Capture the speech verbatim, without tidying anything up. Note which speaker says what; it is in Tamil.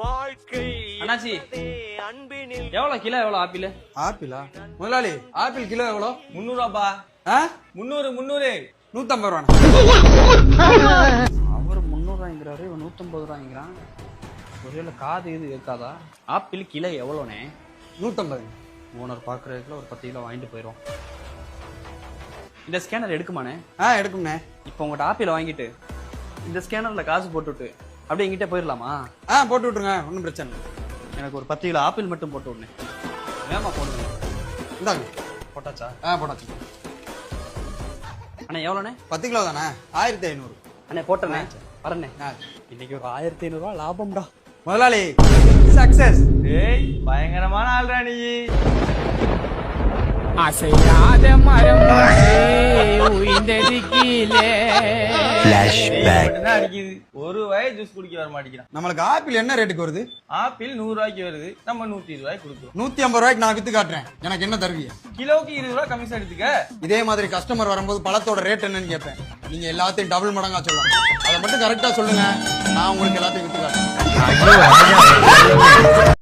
Speaker 1: அண்ணாச்சி எவ்வளவு கிலோ எவ்வளவு ஆப்பிள்?
Speaker 2: ஆப்பிளா முதலாளி? ஆப்பிள் கிலோ எவ்வளோ?
Speaker 1: முன்னூறு ரூபாப்பா. முன்னூறு முன்னூறு
Speaker 2: நூத்தம்பது ரூபா.
Speaker 1: அவர் முன்னூறு ரூபாய்ங்கிறாரு, இவன் நூத்தம்பது ரூபாய்ங்கிறான். ஒருவேளை காது இது இருக்காதா? ஆப்பிள் கிலோ எவ்வளோண்ணே?
Speaker 2: நூத்தம்பது.
Speaker 1: ஓனர் பாக்குறதுக்குள்ள ஒரு பத்து கிலோ வாங்கிட்டு போயிடும். இந்த ஸ்கேனர் எடுக்குமாண்ணே?
Speaker 2: ஆ எடுக்கும்ண்ணே.
Speaker 1: இப்போ உங்கள்கிட்ட ஆப்பிள் வாங்கிட்டு இந்த ஸ்கேனர்ல காசு போட்டுவிட்டு அப்படியே எங்கிட்ட போயிடலாமா?
Speaker 2: ஆ போட்டு விட்டுருங்க, ஒன்றும் பிரச்சனை இல்லை.
Speaker 1: எனக்கு ஒரு பத்து கிலோ ஆப்பிள் மட்டும் போட்டு விடனே. வேமா போடுங்க.
Speaker 2: இந்தாங்க.
Speaker 1: போட்டாச்சா?
Speaker 2: ஆ போட்டாச்சு.
Speaker 1: அண்ணா எவ்வளோண்ணே?
Speaker 2: பத்து கிலோ தானே? ஆயிரத்தி ஐநூறு.
Speaker 1: அண்ணே போட்டேண்ணே. வரண்ணே. இன்னைக்கு ஒரு ஆயிரத்தி ஐநூறு ரூபா லாபம்டா
Speaker 2: முதலாளி. சக்சஸ்.
Speaker 1: ஏய் பயங்கரமான ஆள்ரா நீ.
Speaker 3: அசையாத மரம் உயிர்ந்தது கீழே.
Speaker 1: அடிக்குது. ஒரு வயசு ஜூஸ் குடிக்க வர மாட்டேங்கிறான்.
Speaker 2: நம்மளுக்கு ஆப்பிள் என்ன ரேட்டுக்கு வருது?
Speaker 1: ஆப்பிள் நூறு ரூபாய்க்கு வருது, நம்ம நூத்தி இருபது ரூபாய்க்கு கொடுக்குறோம்.
Speaker 2: நூத்தி ஐம்பது ரூபாய்க்கு நான் வித்து காட்டுறேன், எனக்கு என்ன தருவீங்க?
Speaker 1: கிலோவுக்கு இருபது ரூபாய் கமிஷன் எடுத்துக்க.
Speaker 2: இதே மாதிரி கஸ்டமர் வரும்போது பழத்தோட ரேட் என்னன்னு கேட்பேன். நீங்க எல்லாத்தையும் டபுள் மடங்கா சொல்லலாம். அதை மட்டும் கரெக்டா சொல்லுங்க, நான் உங்களுக்கு எல்லாத்தையும் வித்து காட்டுறேன்.